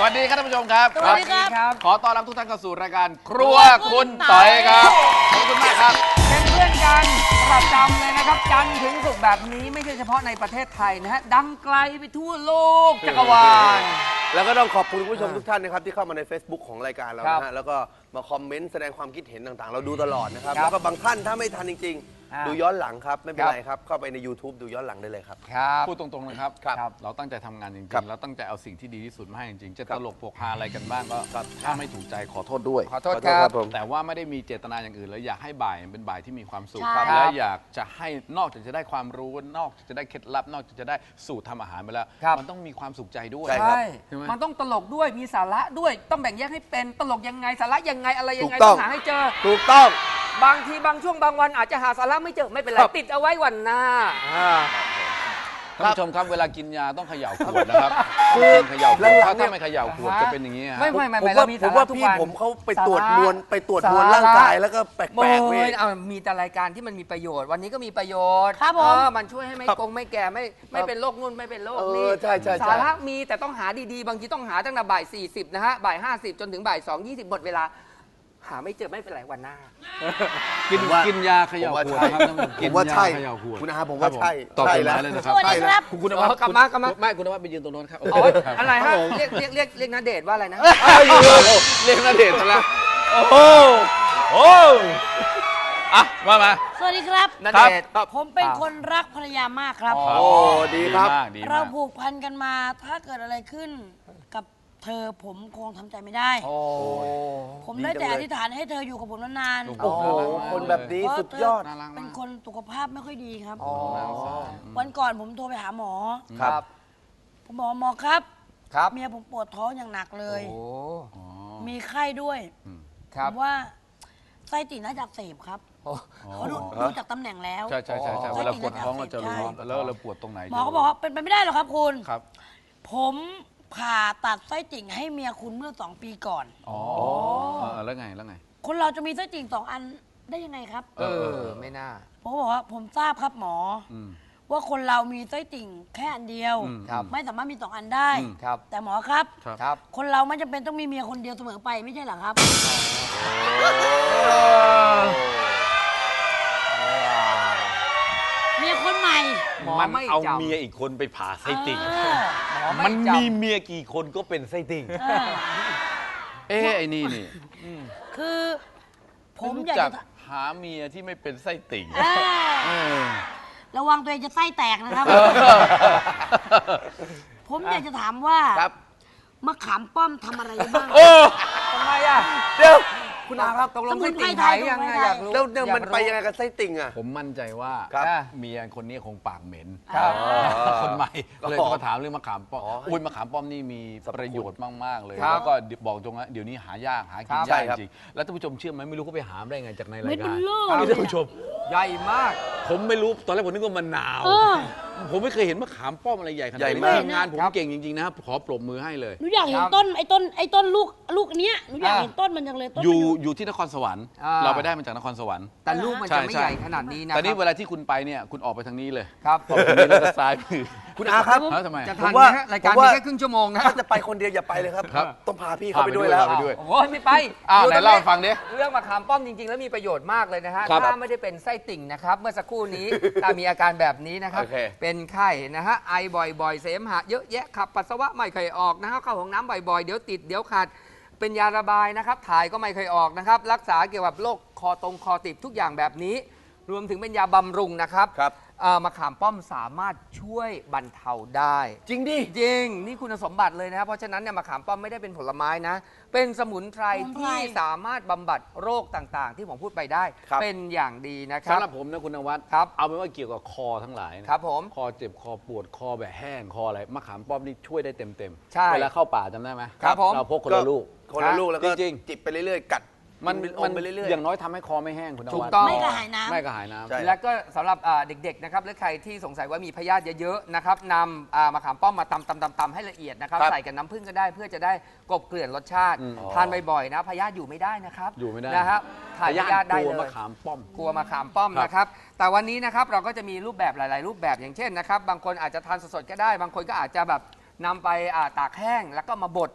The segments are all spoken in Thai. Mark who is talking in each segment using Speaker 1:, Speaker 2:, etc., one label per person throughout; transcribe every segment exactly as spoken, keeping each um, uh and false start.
Speaker 1: วัสดีครับท่านผู้ชมครับ
Speaker 2: สวัสดีครับ
Speaker 1: ขอต้อนรับทุกท่านเข้าสู่รายการครัวคุณต่อยครับขอบคุณมากครับ
Speaker 2: เป็นเพื่อนกันประจำเลยนะครับจันทร์ถึงศุกร์แบบนี้ไม่ใช่เฉพาะในประเทศไทยนะฮะดังไกลไปทั่วโลกจักรวาล
Speaker 3: แล้วก็ต้องขอบคุณผู้ชมทุกท่านนะครับที่เข้ามาใน Facebook ของรายการเรานะฮะแล้วก็มาคอมเมนต์แสดงความคิดเห็นต่างๆเราดูตลอดนะครับแล้วก็บางท่านถ้าไม่ทันจริงๆดูย้อนหลังครับไม่เป็นไรครับเข้าไปใน YouTube ดูย้อนหลังได้เลยครับ
Speaker 1: พูดตรงๆนะครับเราตั้งใจทำงานจริงๆเราตั้งใจเอาสิ่งที่ดีที่สุดมาให้จริงๆจะตลกโปกฮาอะไรกันบ้างก็ถ้าไม่ถูกใจขอโทษด้วย
Speaker 2: ขอโทษครับ
Speaker 1: แต่ว่าไม่ได้มีเจตนาอย่างอื่นเลยอยากให้บ่ายเป็นบ่ายที่มีความสุขและอยากจะให้นอกจากจะได้ความรู้นอกจากจะได้เคล็ดลับนอกจากจะได้สูตรทำอาหารไปแล้วมันต้องมีความสุขใจด้วย
Speaker 2: ใช่มันต้องตลกด้วยมีสาระด้วยต้องแบ่งแยกให้เป็นตลกยังไงสาระยังไงอะไรยังไงต้องหาให้เจอ
Speaker 3: ถูกต้อง
Speaker 2: บางทีบางช่วงบางวันอาจจะหาสาระไม่เจอไม่เป็นไรติดเอาไว้วันหน้า
Speaker 1: ท่านผู้ชมครับเวลากินยาต้องเขย่าขวดนะครับคือเขย่าขวดถ้าไม่เขย่าขวดจะเป็นอย่างนี้
Speaker 2: ไม่ไม่ไม่
Speaker 3: เรามีผมว่าพี่ผมเขาไปตรวจมวลไปตรวจมวลร่างกายแล้วก็แปลกๆเว้ย
Speaker 2: เอามีแต่รายการที่มันมีประโยชน์วันนี้ก็มีประโยชน์
Speaker 4: ครับผม
Speaker 2: มันช่วยให้ไม่กงไม่แก่ไม่ไม่เป็นโรคนู่นไม่เป็นโรคนี้
Speaker 3: ใช่ใช่
Speaker 2: สาระมีแต่ต้องหาดีๆบางทีต้องหาตั้งแต่บ่ายสี่สิบนะฮะบ่ายห้าสิบจนถึงบ่ายสองยี่สิบหมดเวลาหาไม่เจอไม่เป็นไรวันหน้า
Speaker 1: กินกินยาเขย่าขวดครับ
Speaker 3: ผมว่าใช่คุณอาผมว่าใช่
Speaker 1: ตอบไปเลยนะครับ
Speaker 4: สวัสดีครับ
Speaker 1: คุณนวัด
Speaker 2: กลับมากลับมา
Speaker 1: ไม่คุณนวัดไปยืนตรงโน้นครับ
Speaker 2: อะไรฮะเรียกเรียกเรียกเรียกณเดชน์ว่าอะไรนะ
Speaker 1: เรียกณเดชน์ซะแล้วโอ้โหโอ้อ่ะมามา
Speaker 4: สวัสดีครับ
Speaker 2: ณเดชน์
Speaker 4: ผมเป็นคนรักภรรยามากครับ
Speaker 3: โอ้ดีครับ
Speaker 4: เราผูกพันกันมาถ้าเกิดอะไรขึ้นกับเธอผมคงทำใจไม่ได้ผมได้แต่อธิษฐานให้เธออยู่กับผมนานๆ
Speaker 3: โอ้โหคนแบบนี้สุดยอด
Speaker 4: เป็นคนสุขภาพไม่ค่อยดีครับวันก่อนผมโทรไปหาหมอ
Speaker 2: ครับ
Speaker 4: ผมบอกหมอครับ
Speaker 2: ครับ
Speaker 4: เมียผมปวดท้องอย่างหนักเลยมีไข้ด้วยผมว่าไส้ติ่งน่าจะอักเสบครับเขาดูจากตำแหน่งแล้ว
Speaker 1: ใช่ใช่ใช่เวลาปวดท้องเราจะรู้แล้วเราปวดตรงไหน
Speaker 4: หมอเขาบอกว่าเป็นไปไม่ได้หรอกครับคุณครับผมผ่าตัดไส้ติ่งให้เมียคุณเมื่อสองปีก่อน
Speaker 1: อ๋อแล้วไงแล้วไง
Speaker 4: คนเราจะมีไส้ติ่งสองอันได้ยังไงครับ
Speaker 2: เออไม่น่า
Speaker 4: ผมบอกว่าผมทราบครับหมอว่าคนเรามีไส้ติ่งแค่อันเดียวไม่สามารถมีสองอันได้แต่หมอครับคนเราไม่จำเป็นต้องมีเมียคนเดียวเสมอไปไม่ใช่หรอครับเมียคนใหม่
Speaker 1: มันเอาเมียอีกคนไปผ่าไส้ติ่งมันมีเมียกี่คนก็เป็นไส้ติ่งเอ๊ะไอ้นี่นี่
Speaker 4: คือผมอยากจะ
Speaker 1: หาเมียที่ไม่เป็นไส้ติ่ง
Speaker 4: ระวังตัวเองจะไส้แตกนะครับผมอยากจะถามว่ามะขามป้อมทำอะไรบ้าง
Speaker 2: ทำไมอ่ะ
Speaker 3: เดี๋ยว
Speaker 2: คุณอาครับตกลงไส้ติ่งไทยยังไงอยากรู้
Speaker 3: แล้วเดี๋ยวมันไปยังไงกับไส้ติ่งอ่ะ
Speaker 1: ผมมั่นใจว่าเมียคนนี้คงปากเหม็นคนใหม่เลยมาถามเรื่องมะขามป้อมอุ้ยมะขามป้อมนี่มีประโยชน์มากๆเลยแล้วก็บอกตรงนะเดี๋ยวนี้หายากหากินยากจริงแล้วท่านผู้ชมเชื่อไหมไม่รู้เขาไปหาได้ไงจากในรายการนี่ท่านผู้ชม
Speaker 2: ใหญ่มาก
Speaker 1: ผมไม่รู้ตอนแรกผมนึกว่ามันหนาวผมไม่เคยเห็นมะขามป้อมอะไรใหญ่ขนาดนี้ทีมงานผมเก่งจริงๆนะครับขอปรบมือให้เลย
Speaker 4: หนูอยากเห็นต้นไอ้ต้นไอ้ต้นลูกลูกเนี้ยหนูอยากเห็นต้นมันจังเลยต้น
Speaker 1: อยู่อยู่ที่นครสวรรค์เราไปได้มาจากนครสวรรค์
Speaker 2: แต่ลูกมันจะไม่ใหญ่ขนาดนี้นะ
Speaker 1: แต่นี่เวลาที่คุณไปเนี่ยคุณออกไปทางนี้เลย
Speaker 2: ครับ
Speaker 1: ออกทางนี้แล้วก็ซ้ายมือ
Speaker 3: คุณอาครับ
Speaker 2: จะทันไหมรายการมีแค่ครึ่งชั่วโมงนะ
Speaker 3: ถ้าจะไปคนเดียวอย่าไปเลยครับต้องพาพี่เขาไปด้วยแล้ว
Speaker 2: โอ้ยไม่ไป
Speaker 1: อ้าวไหนเล่าฟังดิ
Speaker 2: เรื่องมะขามป้อมจริงๆแล้วมีประโยชน์มากเลยนะฮะถ้าไม่ได้เป็นไส้ติ่งนะครับเมื่อสักครู่นี้ถ้ามีอาการแบบนี้นะครับเป็นไข้นะฮะไอบ่อยๆเสมหะเยอะแยะขับปัสสาวะไม่เคยออกนะฮะเข้าห้องน้ำบ่อยๆเดี๋ยวติดเดี๋ยวขาดเป็นยาระบายนะครับถ่ายก็ไม่เคยออกนะครับรักษาเกี่ยวกับโรคคอตรงคอติดทุกอย่างแบบนี้รวมถึงเป็นยาบำรุงนะครับมะขามป้อมสามารถช่วยบรรเทาได้
Speaker 3: จริงดิ
Speaker 2: จริงนี่คุณสมบัติเลยนะครับเพราะฉะนั้นเนี่ยมะขามป้อมไม่ได้เป็นผลไม้นะเป็นสมุนไพรที่สามารถบำบัดโรคต่างๆที่ผมพูดไปได้เป็นอย่างดีนะครับ
Speaker 1: สำหรับผมนะคุณนวัด
Speaker 2: ครับ
Speaker 1: เอาเป็นว่าเกี่ยวกับคอทั้งหลาย
Speaker 2: ครับผม
Speaker 1: คอเจ็บคอปวดคอแบบแห้งคออะไรมะขามป้อมนี่ช่วยได้เต็มๆ
Speaker 2: ใช่
Speaker 1: เวลาเข้าป่าจำได้ไหม
Speaker 2: ครับผม
Speaker 1: เราพกคนละลูก
Speaker 3: คนละลูกแล้วก็จิบไปเรื่อยๆกัด
Speaker 1: มันมันอย่างน้อยทำให้คอไม่แห้งคุณนวัด
Speaker 2: ถูกต้อง
Speaker 4: ไม่กระหายน้ำ
Speaker 1: ไม่กระหายน้ำ
Speaker 2: แล้วก็สำหรับเด็กๆนะครับหรือใครที่สงสัยว่ามีพยาธิเยอะๆนะครับนำมะขามป้อมมาตำตำตำตำให้ละเอียดนะครับใส่กับน้ำผึ้งก็ได้เพื่อจะได้กลบเกลื่อนรสชาติทานบ่อยๆนะพยาธิอยู่ไม่ได้นะครับ
Speaker 1: อยู่ไม่ได้
Speaker 2: นะครับถ่ายพยาธิได้เลย
Speaker 1: มะขามป้อม
Speaker 2: กลัวมะขามป้อมนะครับแต่วันนี้นะครับเราก็จะมีรูปแบบหลายๆรูปแบบอย่างเช่นนะครับบางคนอาจจะทานสดๆก็ได้บางคนก็อาจจะแบบนำไปตากแห้งแล้วก็มาบด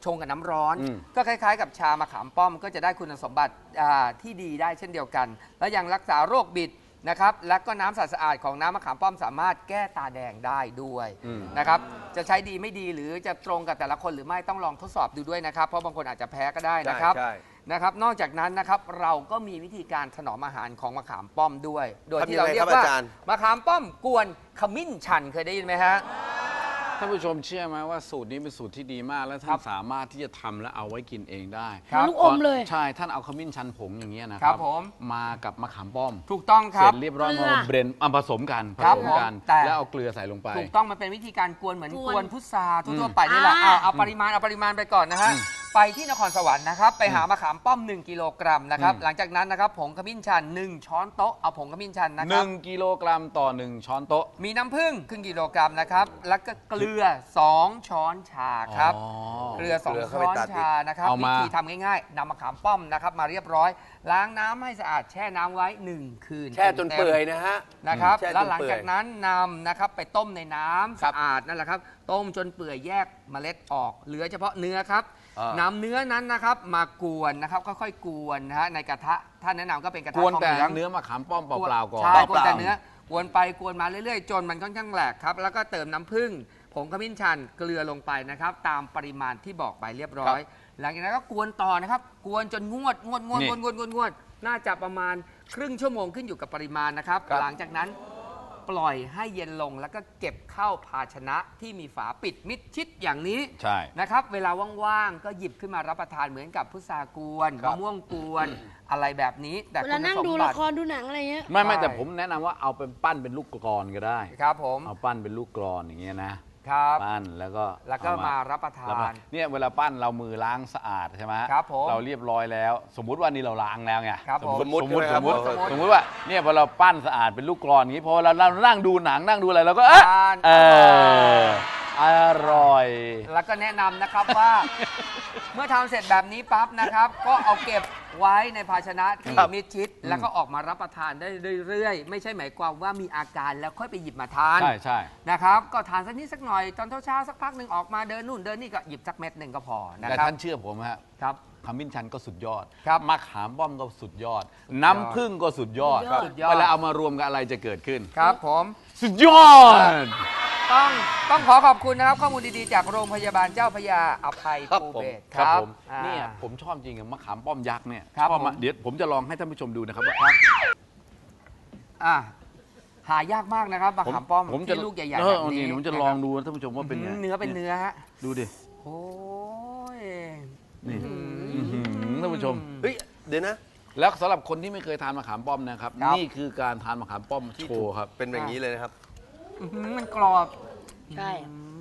Speaker 2: ชงกับน้ำร้อน ก็คล้ายๆ กับชามะขามป้อมก็จะได้คุณสมบัติที่ดีได้เช่นเดียวกัน แล้วยังรักษาโรคบิดนะครับและก็น้ำสะอาดของน้ำมะขามป้อมสามารถแก้ตาแดงได้ด้วยนะครับจะใช้ดีไม่ดีหรือจะตรงกับแต่ละคนหรือไม่ต้องลองทดสอบดูด้วยนะครับเพราะบางคนอาจจะแพ้ก็ได้นะครับนะครับนอกจากนั้นนะครับเราก็มีวิธีการถนอมอาหารของมะขามป้อมด้วย โดยที่เราเรียกว่ามะขามป้อมกวนขมิ้นชันเคยได้ยินไหมฮะ
Speaker 1: ท่านผู้ชมเชื่อไหมว่าสูตรนี้เป็นสูตรที่ดีมากและท่านสามารถที่จะทำและเอาไว้กินเองได้
Speaker 4: ลูกอมเลย
Speaker 1: ใช่ท่านเอาขมิ้นชันผงอย่างเงี้ยนะครับมากับมะขามป้อม
Speaker 2: ถูกต้องครับ
Speaker 1: เสร็จเรียบร้อยมาเบรนเอาผสมกันผสมกันแล้วเอาเกลือใส่ลงไป
Speaker 2: ถูกต้องมันเป็นวิธีการกวนเหมือนกวนพุทราทั่วไปนี่แหละเอาปริมาณเอาปริมาณไปก่อนนะฮะไปที่นครสวรรค์นะครับไปหามะขามป้อมหนึ่งกิโลกรัมนะครับหลังจากนั้นนะครับผงขมิ้นชันหนึ่งช้อนโต๊ะเอาผงขมิ้นชันนะครับ
Speaker 1: หนึ่งกิโลกรัมต่อหนึ่งช้อนโต๊ะ
Speaker 2: มีน้ำผึ้งครึ่งกิโลกรัมนะครับแล้วก็เกลือสองช้อนชาครับเกลือสองช้อนชานะครับวิธีทำง่ายๆนำมะขามป้อมนะครับมาเรียบร้อยล้างน้ำให้สะอาดแช่น้ำไว้หนึ่งคืน
Speaker 3: แช่จนเปื่อยนะฮะ
Speaker 2: นะครับแล้วหลังจากนั้นนำนะครับไปต้มในน้ำสะอาดนั่นแหละครับต้มจนเปื่อยแยกเมล็ดออกเหลือเฉพาะเนื้อครับนำเนื้อนั้นนะครับมากวนนะครับค่อยๆกวนนะฮะในกระทะท่านแนะนำก็เป็นกระทะทองเหลือง
Speaker 1: เนื้อมะขามป้อมเปล่าๆก่อน
Speaker 2: ใช่กวนแต่เนื้อกวนไปกวนมาเรื่อยๆจนมันค่อนข้างแหลกครับแล้วก็เติมน้ำผึ้งผงขมิ้นชันเกลือลงไปนะครับตามปริมาณที่บอกไปเรียบร้อยหลังจากนั้นก็กวนต่อนะครับกวนจนงวดงวดงวดงวดงวดงวดงวดน่าจะประมาณครึ่งชั่วโมงขึ้นอยู่กับปริมาณนะครับหลังจากนั้นปล่อยให้เย็นลงแล้วก็เก็บเข้าภาชนะที่มีฝาปิดมิดชิดอย่างนี้นะครับเวลาว่างๆก็หยิบขึ้นมารับประทานเหมือนกับพุทรากวนมะม่วงกวนอะไรแบบนี้แต่
Speaker 4: เวลานั่งดูละครดูหนังอะไรเงี้ย
Speaker 1: ไม่ไม่แต่ผมแนะนำว่าเอาเป็นปั้นเป็นลูกกลอนก็ได้
Speaker 2: ครับผม
Speaker 1: เอาปั้นเป็นลูกกลอนอย่างเงี้ยนะครับปั้นแล้วก็
Speaker 2: แล้วก็มารับประทาน
Speaker 1: เนี่ยเวลาปั้นเรามือล้างสะอาดใช่ไหม
Speaker 2: ครับผม
Speaker 1: เราเรียบร้อยแล้วสมมุติว่านี่เราล้างแล้วไง
Speaker 2: ส
Speaker 1: มมติสมมติสมมติสมมติว่าเนี่ยพอเราปั้นสะอาดเป็นลูกกลอนอย่างนี้พอเราเรานั่งดูหนังนั่งดูอะไรเราก็เออเอออร่อย
Speaker 2: แล้วก็แนะนำนะครับว่าเมื่อทำเสร็จแบบนี้ปั๊บนะครับก็เอาเก็บไว้ในภาชนะที่มิดชิดแล้วก็ออกมารับประทานได้เรื่อยๆไม่ใช่หมายความว่ามีอาการแล้วค่อยไปหยิบมาทาน
Speaker 1: ใช่ใช่
Speaker 2: นะครับก็ทานสักนิดสักหน่อยตอนเช้าๆสักพักหนึ่งออกมาเดินนู่นเดินนี่ก็หยิบสักเม็ดหนึ่งก็พอนะครับแต่
Speaker 1: ท่านเชื่อผมฮะ
Speaker 2: ครับ
Speaker 1: ขมิ้นชันก็สุดยอด
Speaker 2: ครับ
Speaker 1: มะขามป้อมก็สุดยอดน้ำผึ้งก็สุดยอดเวลาเอามารวมกันอะไรจะเกิดขึ้น
Speaker 2: ครับผม
Speaker 1: สุดยอด
Speaker 2: ต้องต้องขอขอบคุณนะครับข้อมูลดีๆจากโรงพยาบาลเจ้าพระยาอภัยภูเบศร
Speaker 1: ครับผมเนี่ยผมชอบจริงกับมะขามป้อมยักษ์เนี่ยชอบมาเดี๋ยวผมจะลองให้ท่านผู้ชมดูนะครับว่า
Speaker 2: อ่าหายากมากนะครับมะขามป้อมที่ลูกใหญ่ๆแบบนี้
Speaker 1: ผมจะลองดูท่านผู้ชมว่าเป็นไง
Speaker 2: เนื้อเป็นเนื้อฮะ
Speaker 1: ดูดิ
Speaker 2: โอ้ย
Speaker 1: นี่ท่านผู้ชม
Speaker 3: เฮ้ยเดี๋ยวนะ
Speaker 1: แล้วสำหรับคนที่ไม่เคยทานมะขามป้อมนะครับนี่คือการทานมะขามป้อมโชว์ครับ
Speaker 3: เป็นแบบนี้เลยนะครับ
Speaker 2: มันกรอบ
Speaker 4: ใช่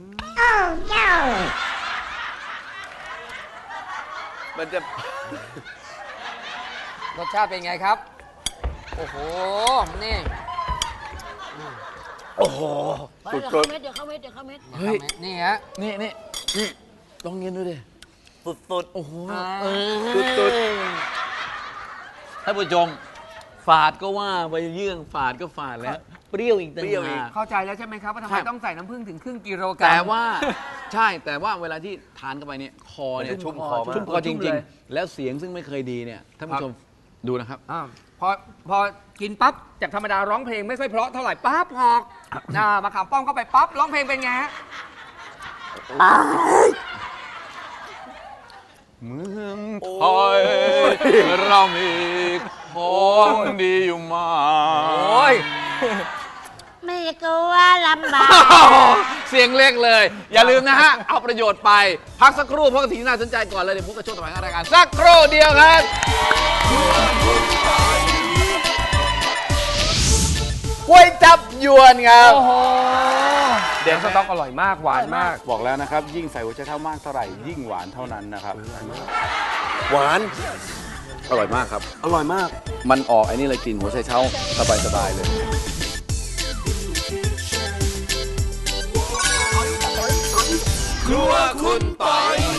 Speaker 3: มันจะ
Speaker 2: รสชาติเป็นไงครับโอ้โหนี่
Speaker 3: โอ้โห
Speaker 4: สุดเม็ดเดี๋ยวเข้าเม็ดเดี๋ยวเข้าเม็ด
Speaker 1: เฮ้ย
Speaker 2: นี่ฮะ
Speaker 1: นี่นี่นี่ลองกินดูดิ
Speaker 3: สุด
Speaker 1: ๆโอ้โห
Speaker 3: สุด
Speaker 1: ๆท่านผู้ชมฝาดก็ว่าไปเยื่องฝาดก็ฝาดแล้วเปรี้ยวอีกต่างหาก
Speaker 2: เข้าใจแล้วใช่ไหมครับว่าทำไมต้องใส่น้ำผึ้งถึงครึ่งกิโลกรัม
Speaker 1: แต่ว่าใช่แต่ว่าเวลาที่ทานเข้าไปเนี่ยคอเนี่ยชุ่มคอชุ่มคอจริงๆแล้วเสียงซึ่งไม่เคยดีเนี่ยท่านผู้ชมดูนะครับ
Speaker 2: พอพอกินปั๊บจากธรรมดาร้องเพลงไม่ค่อยเพราะเท่าไหร่ปั๊บพอมาขามป้อมเข้าไปปั๊บร้องเพลงเป็นไงฮะ
Speaker 1: เมืองไทยเรามีของดีอยู่มาก
Speaker 4: ไม่กลัวลำบาก
Speaker 1: เสียงเล็กเลยอย่าลืมนะฮะเอาประโยชน์ไปพักสักครู่เพราะสิ่งที่น่าสนใจก่อนเลยเดี๋ยวพบกับช่วงต่อไปของรายการสักครู่เดียวครับก๋วยจับยวนครับ
Speaker 2: โอ้โหเดี๋ยวสต๊อกอร่อยมากหวานมาก
Speaker 1: บอกแล้วนะครับยิ่งใส่หัวไชเท้ามากเท่าไหร่ยิ่งหวานเท่านั้นนะครับ
Speaker 3: หวาน
Speaker 1: อร่อยมากครับ
Speaker 3: อร่อยมาก
Speaker 1: มันออกไอ้นี่เลยกลิ่นหัวไชเท้าสบายๆเลยครัวคุณปอย